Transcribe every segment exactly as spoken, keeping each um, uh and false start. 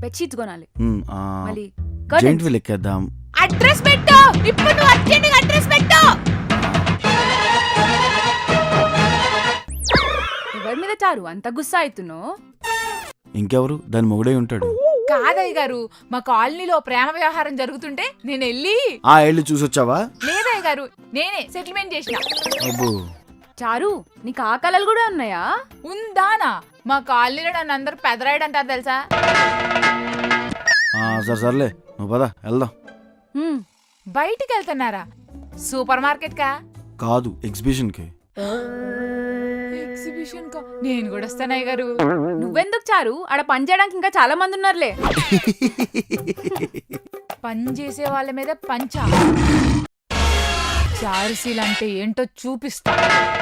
Bedsheets కొనాలి. మ్, ఆ, మళ్ళీ జెయింట్ వీల్ ఎక్కేద్దాం. అడ్రస్ పెట్టు ఇప్పుడు, నువ్వు అర్జెంట్ అడ్రస్ పెట్టు. ఎవరి మీద చారు అంత గుస్సా అవుతున్నావు? ఇంకెవరు దాని మొగుడే ఉంటాడు. కాదయ్య గారు, మా కాలనీలో ప్రేమ వ్యవహారం జరుగుతుంటే నేను వెళ్ళి ఆ ఏళ్ళు చూసొచ్చావా? లేదయ్య గారు, నేనే సెటిల్మెంట్ చేసిన. అబ్బో, చారు నీకు ఆ కళలు కూడా ఉన్నాయా? ఉందానా? మా కాలనీలో నన్ను అందరు పెదరాయుడు అంటారు తెలుసా. ఆ, సరే సర్లే నువ్వు పద వెళ్దాం. హ్మ్. బయటికి వెళ్తున్నారా? సూపర్ మార్కెట్ కా? కాదు, ఎగ్జిబిషన్ కి. ఎగ్జిబిషన్ కా? నేను కూడా వస్తానయ్య గారు. నువ్వెందుకు చారు, ఆడ పని చేయడానికి ఇంకా చాలా మంది ఉన్నారులే. పని చేసే వాళ్ళ మీద పంచా చారుసీలు అంటే ఏంటో చూపిస్తా.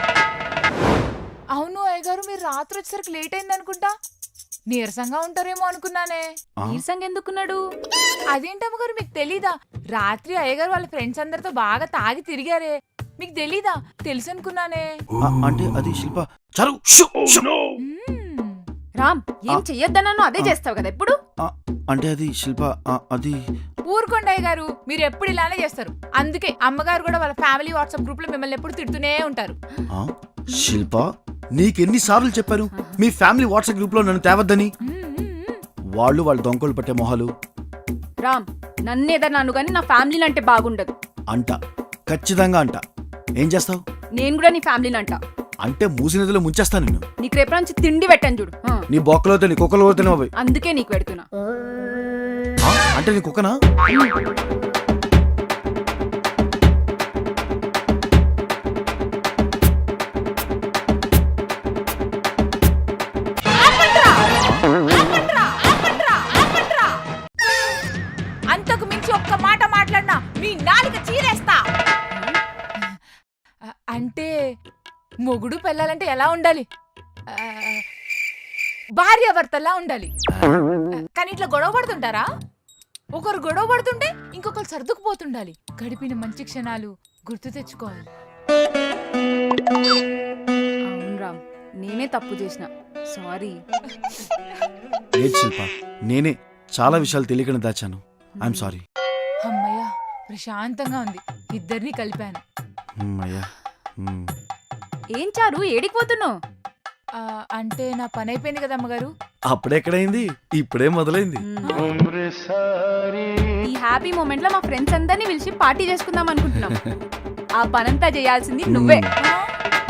అవును అయ్య గారు, మీరు రాత్రి వచ్చేసరికి లేట్ అయింది అనుకుంటా. నీరసంగా ఉంటారేమో అనుకున్నానే. ఆ? నీరసంగా ఎందుకున్నాడు? అదేంటమ్మగారు మీకు తెలీదా? రాత్రి అయ్యగారు వాళ్ళ ఫ్రెండ్స్ అందరితో బాగా తాగి తిరిగారే, మీకు తెలీదా? తెలుసు అనుకున్నానే. ఆ, అంటే అది శిల్ప. చారు షూ, షూ. మ్మ్. రామ్, ఏం చెయ్యొద్దన్నాను అదే చేస్తావు కదా ఎప్పుడు. ఆ, అంటే అది శిల్ప, ఆ, అది ఊరుకోండి అయ్య గారు, మీరు ఎప్పుడు ఇలానే చేస్తారు. అందుకే అమ్మగారు కూడా వాళ్ళ ఫ్యామిలీ వాట్సాప్ గ్రూప్ లో మిమ్మల్ని ఎప్పుడు తిడుతూనే ఉంటారు. ఆ, శిల్ప నీకెన్ని సార్లు చెప్పాను మీ ఫ్యామిలీ వాట్సాప్ గ్రూప్ లో నన్ను తేవద్దని. మ్మ్, మ్మ్. వాళ్ళు వాళ్ళ దొంగలు పట్టే మొహాలు. రామ్, నన్నేదన్నాను కానీ నా ఫ్యామిలీని అంటే బాగుండదు. అంట, ఖచ్చితంగా అంట. ఏం చేస్తావు? నేను కూడా నీ ఫ్యామిలీని అంట. అంటే మూసి నదిలో ముంచేస్తా నిన్ను. నీకు రేపు నుంచి తిండి పెట్టాను చూడు. ఆ, నీ బొక్కలో నీ కుక్కలో పోతేనే అవి. అందుకే నీకు పెడుతున్నా. ఆ, అంటే నీ కుక్కనా? అంతకు మించి ఒక్క మాట మాట్లాడినా మీ నాలుక చీరేస్తా. అ- అంటే మొగుడు పెళ్ళాలంటే ఎలా ఉండాలి? ఆ, భార్యాభర్తలా ఉండాలి. కానీ ఇట్లా గొడవ పడుతుంటారా? ఒకరు గొడవ పడుతుంటే ఇంకొకరు సర్దుకుపోతుండాలి. గడిపిన మంచి క్షణాలు గుర్తు తెచ్చుకోవాలి. అవును రామ్, నేనే తప్పు చేసిన. సారీ. లేదు శిల్ప, నేనే చాలా విషయాలు తెలియకుండా దాచాను. I'm sorry. అమ్మయ్య, ప్రశాంతంగా ఉంది. ఇద్దరిని కలిపాను. అయ్యా. ఏం చారు ఏడికిపోతున్నావు? ఆ, అంటే నా పని అయిపోయింది కదా అమ్మగారు. అప్పుడెక్కడైంది, ఇప్పుడే మొదలైంది. ఈ హ్యాపీ మూమెంట్ లో మా ఫ్రెండ్స్ అందరినీ పిలిచి పార్టీ చేసుకుందాం అనుకుంటున్నాం. ఆ పనంతా చేయాల్సింది నువ్వే. ఆ,